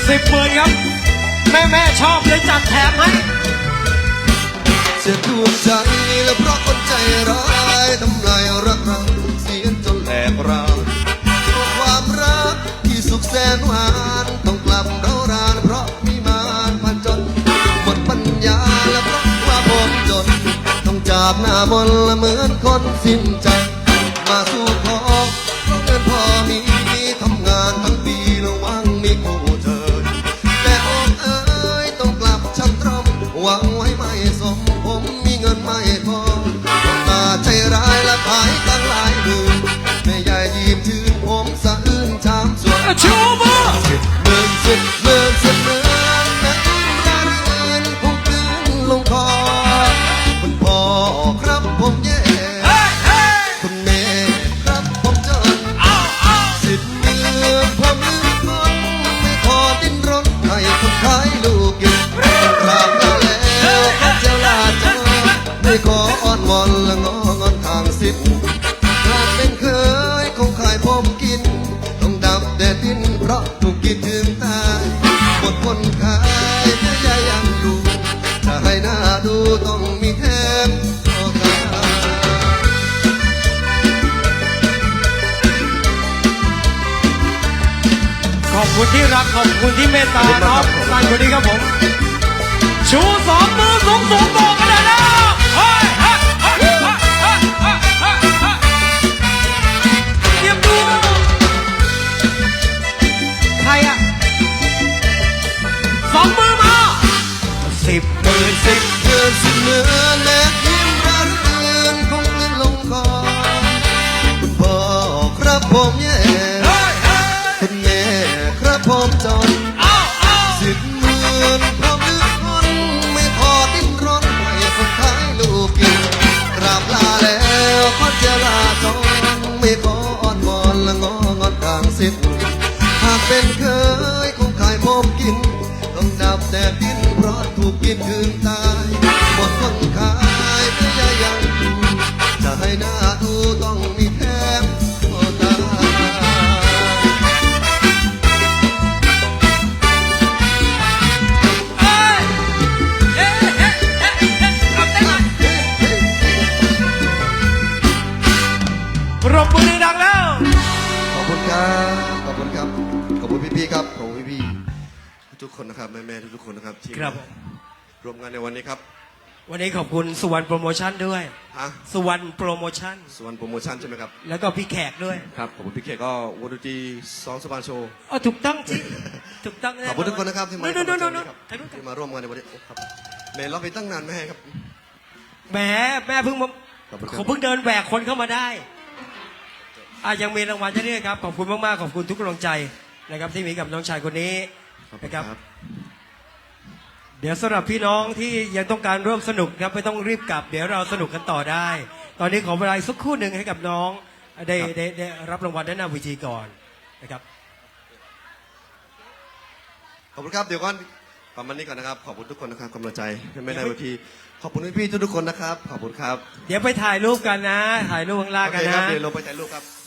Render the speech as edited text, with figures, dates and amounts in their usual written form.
10,000ครับแม่ชอบเลยจัดแถมให้เสียดวงใจและเพราะคนใจร้ายทำลายรักเราเสียจนแหลกรานเพราะความรักที่สุขแสนหวานต้องกลับเรารานเพราะมีมารพันจนหมดปัญญาและเพราะว่าผมจนต้องจากหน้ามนต์ละเหมือนคนสิ้นใจมาสู่ขอเพราะเงินพอมีทำงานทั้งปีระวังมีคู่เธอแต่อกเอ๋ยต้องกลับชักตรมหวังไว้ไม่สมผมมีเงินไม่พอต้องตาใจร้ายและขายตั้งหลายหมื่นแม่ยายยิ้มชื่นผมสะอื้นชามส่วนชูมือ 10,000แม่ยิ้มระรื่นคงกลืนลงคอคุณพ่อครับผมแย่คุณแม่ครับผมจน10,000ผมลืมคนไม่พอดิ้นรนให้คนขายลูกกินกราบลาแล้วขอเจ้าลาจอไม่ขออ้อนวอนและงองอนทางสิบหากเป็นเคยคงขายผมกินต้องดับแดดดินเพราะถูกกินถึงตายหมดคนขายแม่ยายยังอยู่ถ้าให้หน้าดูต้องมีแถมโอกาสขอบคุณที่รักขอบคุณที่เมตตาน้องท่านคนนี้ครับผมชู2 มือสูงบอกกันเลยนะเตรียมดูใครอ่ะ2 มือมา10,000 แม่ยิ้มระรื่นคงลื่นลงคอคุณพ่อครับผมแย่คุณแม่ครับผมจน10,000ผมลืมคนไม่พอดิ้นรนให้คนขายลูกกินกราบลาแล้วขอเจลาจงไม่ขออ้อนวอนและงองอนทางสิบหากเป็นเคยคงขายผมกินต้องดับแต่ดินเพราะถูกกินถึงตายหมดคนขายแม่ยายยังอยู่จะให้หน้าดูต้องมีแถมโอกาสปรบมือดังแล้วขอบคุณครับขอบคุณครับขอบคุณพี่ๆครับขอบคุณพี่ๆทุกคนนะครับแม่ๆทุกคนนะครับที่ร่วมงานในวันนี้ครับวันนี้ขอบคุณสุวรรณโปรโมชั่นด้วยสุวรรณโปรโมชั่นใช่ไหมครับแล้วก็พี่แขกด้วยครับขอบคุณพี่แขกก็วงดนตรี2 สปานโชว์ถูกต้องจริงถูกต้องขอบคุณทุกคนนะครับที่มาร่วมงานในวันนี้ครับแม่เราไปตั้งนานไหมครับแม่เพิ่งผมเพิ่งเดินแหวกคนเข้ามาได้ยังมีรางวัลจะเรียกครับขอบคุณมากๆขอบคุณทุกกำลังใจนะครับที่มีกับน้องชายคนนี้นะครับเดี๋ยวสำหรับพี่น้องที่ยังต้องการร่วมสนุกครับไม่ต้องรีบกลับเดี๋ยวเราสนุกกันต่อได้ตอนนี้ขอเวลาสักครู่หนึ่งให้กับน้องได้รับรางวัลด้านหน้าเวทีก่อนนะครับขอบคุณครับเดี๋ยวก่อนประมาณนี้ก่อนนะครับขอบคุณทุกคนนะครับกำลังใจไม่ได้เวทีขอบคุณพี่ๆทุกคนนะครับขอบคุณครับเดี๋ยวไปถ่ายรูปกันนะถ่ายรูปข้างล่างกันนะเดี๋ยวลงไปถ่ายรูปครับ